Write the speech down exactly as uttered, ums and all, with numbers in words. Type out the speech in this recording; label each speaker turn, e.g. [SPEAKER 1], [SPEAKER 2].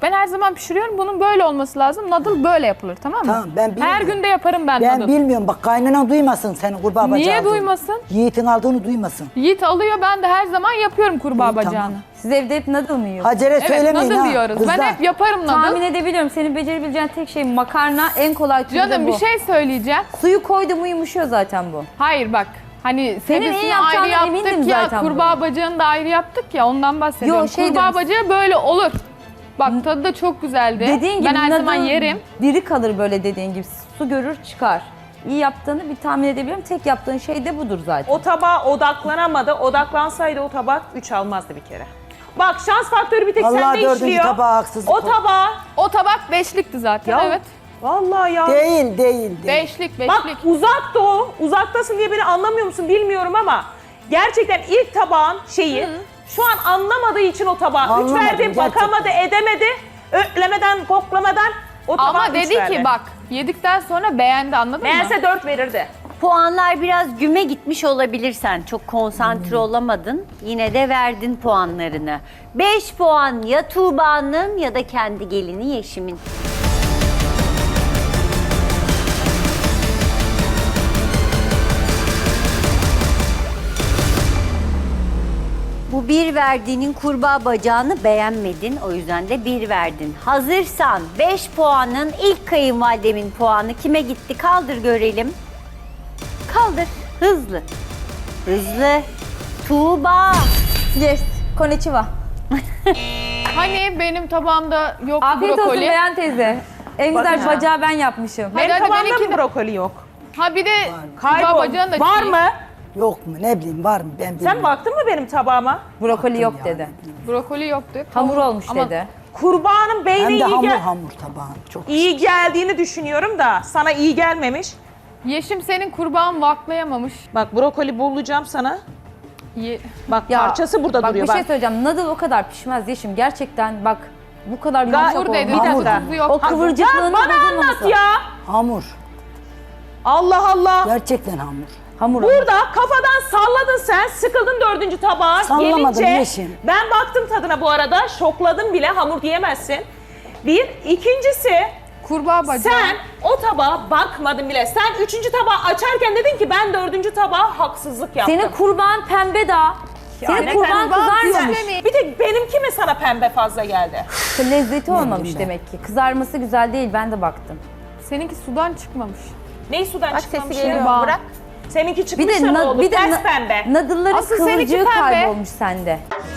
[SPEAKER 1] Ben her zaman pişiriyorum. Bunun böyle olması lazım. Nadıl böyle yapılır, tamam mı?
[SPEAKER 2] Tamam, ben bilmiyorum.
[SPEAKER 1] Her gün de yaparım ben,
[SPEAKER 2] Ben
[SPEAKER 1] nadıl.
[SPEAKER 2] bilmiyorum. Bak kaynana duymasın senin kurbağa bacağı
[SPEAKER 1] Niye
[SPEAKER 2] aldığını.
[SPEAKER 1] duymasın?
[SPEAKER 2] Yiğit'in aldığını duymasın.
[SPEAKER 1] Yiğit alıyor, ben de her zaman yapıyorum kurbağa
[SPEAKER 2] İyi,
[SPEAKER 1] bacağını.
[SPEAKER 2] tamam.
[SPEAKER 3] Siz evde hep nadıl mı yiyorsunuz?
[SPEAKER 2] Hacer'e
[SPEAKER 1] Evet,
[SPEAKER 2] söylemeyin
[SPEAKER 1] nadıl
[SPEAKER 2] ha.
[SPEAKER 1] yiyoruz.
[SPEAKER 2] Kızlar.
[SPEAKER 1] Ben hep yaparım nadıl.
[SPEAKER 3] Tahmin edebiliyorum. Senin becerebileceğin tek şey makarna, en kolay türü de
[SPEAKER 1] Canım
[SPEAKER 3] bu.
[SPEAKER 1] bir şey söyleyeceğim.
[SPEAKER 3] Suyu koydu mu yumuşuyor zaten bu.
[SPEAKER 1] Hayır bak. Hani
[SPEAKER 3] Senin iyi
[SPEAKER 1] sebzesini
[SPEAKER 3] yapacağına
[SPEAKER 1] ayrı yaptık
[SPEAKER 3] emindim
[SPEAKER 1] ya,
[SPEAKER 3] zaten
[SPEAKER 1] kurbağa bacağını da ayrı yaptık ya, ondan bahsediyorum.
[SPEAKER 3] Yo, şey
[SPEAKER 1] kurbağa
[SPEAKER 3] diyorum.
[SPEAKER 1] bacağı böyle olur. Bak tadı da çok güzeldi.
[SPEAKER 3] Dediğin gibi
[SPEAKER 1] ben her
[SPEAKER 3] nadıl
[SPEAKER 1] zaman yerim.
[SPEAKER 3] diri kalır böyle dediğin gibi. Su görür çıkar. İyi yaptığını bir tahmin edebiliyorum. Tek yaptığın şey de budur zaten.
[SPEAKER 4] O tabağa odaklanamadı. Odaklansaydı o tabak üç almazdı bir kere. Bak şans faktörü bir tek
[SPEAKER 2] Vallahi
[SPEAKER 4] sende
[SPEAKER 2] dördüncü
[SPEAKER 4] işliyor.
[SPEAKER 2] tabağa haksızlık
[SPEAKER 4] O
[SPEAKER 2] oldu.
[SPEAKER 4] tabağa.
[SPEAKER 1] O tabak beşlikti zaten,
[SPEAKER 4] Ya,
[SPEAKER 1] evet.
[SPEAKER 4] Vallahi ya.
[SPEAKER 2] Değil, değil, değil.
[SPEAKER 1] Beşlik,
[SPEAKER 4] Bak
[SPEAKER 1] beşlik.
[SPEAKER 4] uzakta o. Uzaktasın diye beni anlamıyor musun bilmiyorum ama gerçekten ilk tabağın şeyi şu an anlamadığı için o tabağa üç
[SPEAKER 2] Anlamadım,
[SPEAKER 4] verdi.
[SPEAKER 2] gerçekten.
[SPEAKER 4] Bakamadı, edemedi. Ötlemeden, koklamadan o tabağa
[SPEAKER 1] Ama
[SPEAKER 4] üç
[SPEAKER 1] dedi
[SPEAKER 4] verdi.
[SPEAKER 1] ki bak, yedikten sonra beğendi, anladın mı?
[SPEAKER 4] Meğerse dört verirdi.
[SPEAKER 5] Puanlar biraz güme gitmiş olabilirsen. Çok konsantre olamadın. Yine de verdin puanlarını. beş puan ya Tuğba'nın ya da kendi gelini Yeşim'in. Bu bir verdiğinin kurbağa bacağını beğenmedin. O yüzden de bir verdin. Hazırsan beş puanın ilk kayınvalidemin puanı kime gitti? Kaldır görelim. Kaldır. Hızlı. Hızlı. Tuğba.
[SPEAKER 3] Yes. Konnichiwa.
[SPEAKER 1] Hani benim tabağımda yok
[SPEAKER 3] Afiyet olsun
[SPEAKER 1] brokoli.
[SPEAKER 3] Beyan teyze. En güzel
[SPEAKER 4] Bakın.
[SPEAKER 3] bacağı ben yapmışım.
[SPEAKER 1] Hadi,
[SPEAKER 4] Benim
[SPEAKER 1] hadi,
[SPEAKER 4] tabağımda
[SPEAKER 1] benimki
[SPEAKER 4] mı
[SPEAKER 1] de-
[SPEAKER 4] brokoli yok?
[SPEAKER 1] Ha bir de
[SPEAKER 4] Kaybol.
[SPEAKER 1] kurbağa bacağın da
[SPEAKER 4] Var
[SPEAKER 1] çiğ.
[SPEAKER 4] mı?
[SPEAKER 2] Yok mu? Ne bileyim var mı? Ben bilmiyorum.
[SPEAKER 4] Sen baktın mı benim tabağıma?
[SPEAKER 3] Brokoli yok
[SPEAKER 2] ya.
[SPEAKER 3] dedi.
[SPEAKER 1] Brokoli yoktu.
[SPEAKER 3] Hamur olmuş
[SPEAKER 1] Ama
[SPEAKER 3] dedi.
[SPEAKER 4] Kurbağanın beyni
[SPEAKER 2] Hem de
[SPEAKER 4] iyi,
[SPEAKER 2] hamur
[SPEAKER 4] gel-
[SPEAKER 2] hamur tabağın. Çok
[SPEAKER 4] iyi geldiğini düşünüyorum da sana iyi gelmemiş.
[SPEAKER 1] Yeşim senin kurbağan vaklayamamış.
[SPEAKER 4] Bak brokoli bulacağım sana.
[SPEAKER 1] Ye-
[SPEAKER 4] Bak
[SPEAKER 3] Ya,
[SPEAKER 4] parçası burada
[SPEAKER 3] bak,
[SPEAKER 4] duruyor.
[SPEAKER 3] bir
[SPEAKER 4] Bak
[SPEAKER 3] şey söyleyeceğim. Nadal o kadar pişmez Yeşim. Gerçekten bak bu kadar yumuşak
[SPEAKER 1] Hamur dedi,
[SPEAKER 3] olmaz.
[SPEAKER 2] Hamur.
[SPEAKER 1] tadı tuzu yok.
[SPEAKER 3] O kıvırcıklığının
[SPEAKER 4] bana anlat
[SPEAKER 3] bozulmaması.
[SPEAKER 4] ya.
[SPEAKER 2] hamur.
[SPEAKER 4] Allah Allah.
[SPEAKER 2] Gerçekten hamur.
[SPEAKER 3] Hamur.
[SPEAKER 4] Burada kafadan salladın sen, sıkıldın dördüncü tabağa
[SPEAKER 2] Sallamadım
[SPEAKER 4] gelince.
[SPEAKER 2] Yeşim.
[SPEAKER 4] Ben baktım tadına bu arada, şokladım bile, hamur diyemezsin. Bir, ikincisi
[SPEAKER 1] Kurbağa bacağı.
[SPEAKER 4] sen o tabağa bakmadın bile. Sen üçüncü tabağı açarken dedin ki ben dördüncü tabağa haksızlık yaptım.
[SPEAKER 3] Senin kurban pembe daha. Senin
[SPEAKER 4] ne
[SPEAKER 3] kurban
[SPEAKER 4] kurban
[SPEAKER 3] kızarmamış.
[SPEAKER 4] güzel. Bir tek benimki mi sana pembe fazla geldi?
[SPEAKER 3] Lezzeti olmamış
[SPEAKER 2] bileyim ben.
[SPEAKER 3] demek ki. Kızarması güzel değil. Ben de baktım.
[SPEAKER 1] Seninki sudan çıkmamış.
[SPEAKER 4] Neyi sudan
[SPEAKER 5] Bak
[SPEAKER 4] çıkmamış
[SPEAKER 5] sesi geliyor.
[SPEAKER 4] ya?
[SPEAKER 5] Bırak.
[SPEAKER 4] Seninki
[SPEAKER 3] Bir
[SPEAKER 4] çıkmış
[SPEAKER 3] de
[SPEAKER 4] da ne
[SPEAKER 3] na-
[SPEAKER 4] oldu?
[SPEAKER 3] bir de
[SPEAKER 4] Ters
[SPEAKER 3] na-
[SPEAKER 4] pembe.
[SPEAKER 3] nadılların
[SPEAKER 1] Asıl seninki
[SPEAKER 3] kıvırcığı
[SPEAKER 1] pembe.
[SPEAKER 3] kaybolmuş sende.